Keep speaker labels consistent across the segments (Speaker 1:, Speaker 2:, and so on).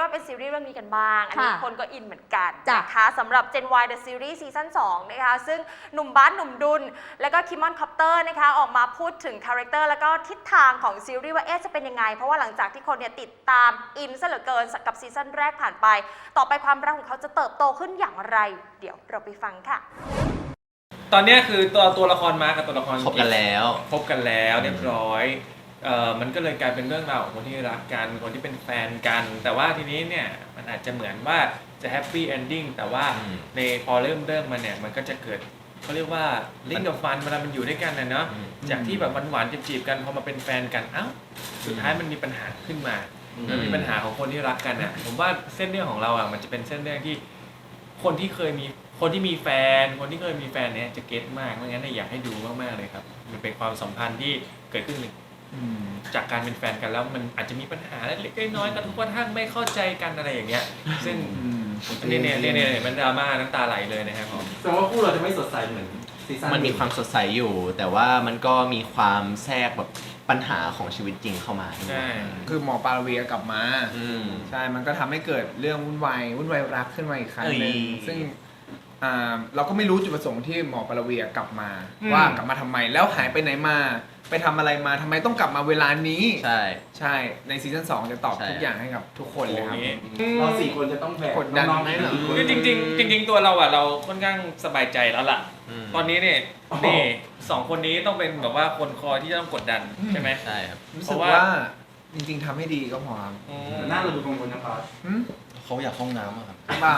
Speaker 1: ว่าเป็นซีรีส์เรื่องนี้กันบ้างอันนี้คนก็อินเหมือนกัน
Speaker 2: จ้ะ
Speaker 1: นะคะสำหรับ Gen Y The Series ซีซั่น2นะคะซึ่งหนุ่มบาสหนุ่มดุลแล้วก็คิมมอนคอปเตอร์นะคะออกมาพูดถึงคาแรคเตอร์แล้วก็ทิศทางของซีรีส์ว่าจะเป็นยังไงเพราะว่าหลังจากที่คนเนี่ยติดตามอินซะเหลือเกินกับซีซั่นแรกผ่านไปต่อไปความรักของเขาจะเติบโตขึ้นอย่างไรเดี๋ยวเราไปฟังค่ะ
Speaker 3: ตอนนี้คือตัวละครมาร์คกับตัวละคร
Speaker 4: คบกันแล้ว
Speaker 3: เรียบร้อยมันก็เลยกลายเป็นเรื่องราวของคนที่รักกันคนที่เป็นแฟนกันแต่ว่าทีนี้เนี่ยมันอาจจะเหมือนว่าจะแฮปปี้เอนดิ้งแต่ว่าในพอเริ่มมาเนี่ยมันก็จะเกิดเขาเรียกว่าลิ้นกับฟันเวลามันอยู่ด้วยกันนะเนาะจากที่แบบหวานๆจีบๆกันพอมาเป็นแฟนกันเอ้าสุดท้ายมันมีปัญหาขึ้นมามันมีปัญหาของคนที่รักกันอ่ะผมว่าเส้นเรื่องของเราอ่ะมันจะเป็นเส้นเรื่องที่คนที่เคยมีแฟนคนที่เคยมีแฟนเนี่ยจะเก็ตมากเพราะงั้นอยากให้ดูมากๆเลยครับมันเป็นความสัมพันธ์ที่เกิดขึ้นจากการเป็นแฟนกันแล้วมันอาจจะมีปัญหาเล็กๆน้อยๆกระทบกระทั่งไม่เข้าใจกันอะไรอย่างเงี้ยซึ่งเนี่ยมันดราม่าน้ำตาไหลเลยนะครับผม
Speaker 5: แต่ว่าคู่เราจะไม่สดใสเหมือนซีซั่น
Speaker 4: มันมีความสดใสอยู่แต่ว่ามันก็มีความแทรกแบบปัญหาของชีวิตจริงเข้ามา
Speaker 3: ใช่
Speaker 6: คือหมอปาราเวียกลับมาใช่มันก็ทำให้เกิดเรื่องวุ่นวายรักขึ้นมาอีกครั้งหนึ่งซึ่งเราก็ไม่รู้จุดประสงค์ที่หมอปาราเวียกลับมาว่ากลับมาทำไมแล้วหายไปไหนมาไปทำอะไรมาทำไมต้องกลับมาเวลานี้ใช่ในซีซั่น2จะตอบทุกอย่างให้กับทุกคนเลยครับ
Speaker 5: เรา4 คนจะต้องแบก
Speaker 6: กดดัน
Speaker 5: น้องๆ
Speaker 6: ไหม
Speaker 3: จริงตัวเราอ่ะเราค่อนข้างสบายใจแล้วล่ะตอนนี้เนี่ยนี่2 คนนี้ต้องเป็นแบบว่าคนคอยที่จะต้องกดดันใช่ไหม
Speaker 4: ใช่ครับ
Speaker 6: รู้สึกว่าจริงๆทำให้ดีก็พอครับ
Speaker 5: หน้าเราดูกังวลนะครับ
Speaker 4: เขาอยากห้องน้ำอะครับ
Speaker 6: บ้า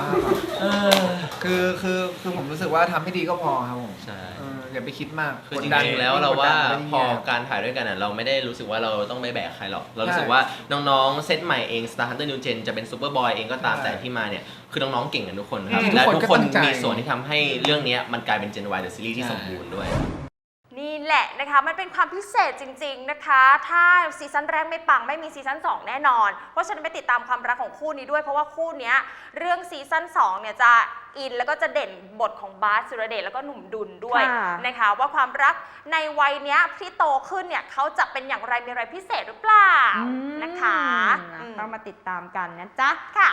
Speaker 6: คือผมรู้สึกว่าทำให้ดีก็พอครับผม
Speaker 4: ใช่
Speaker 6: อย่าไปคิดมาก
Speaker 4: คือจริงๆแล้วเราว่าพอการถ่ายด้วยกันอ่ะเราไม่ได้รู้สึกว่าเราต้องไม่แบกใครหรอกเรารู้สึกว่าน้องๆเซตใหม่เอง Star Hunter New Gen จะเป็นซูเปอร์บอยเองก็ตามแต่ที่มาเนี่ยคือน้องๆเก่งกันทุกคนครับและทุกคนมีส่วนที่ทำให้เรื่องนี้มันกลายเป็น Gen Y The Series ที่สมบูรณ์ด้วย
Speaker 1: นี่แหละนะคะมันเป็นความพิเศษจริงๆนะคะถ้าซีซั่นแรกไม่ปังไม่มีซีซั่น2แน่นอนเพราะฉะนั้นไปติดตามความรักของคู่นี้ด้วยเพราะว่าคู่นี้เรื่องซีซั่น2เนี่ยจะอินแล้วก็จะเด่นบทของบาสสุรเดชแล้วก็หนุ่มดุลด้วยนะคะว่าความรักในวัยเนี้ยที่โตขึ้นเนี่ยเขาจะเป็นอย่างไรมีอะไรพิเศษหรือเปล่านะคะ
Speaker 2: ต้องมาติดตามกันนะจ๊ะ
Speaker 1: ค่ะ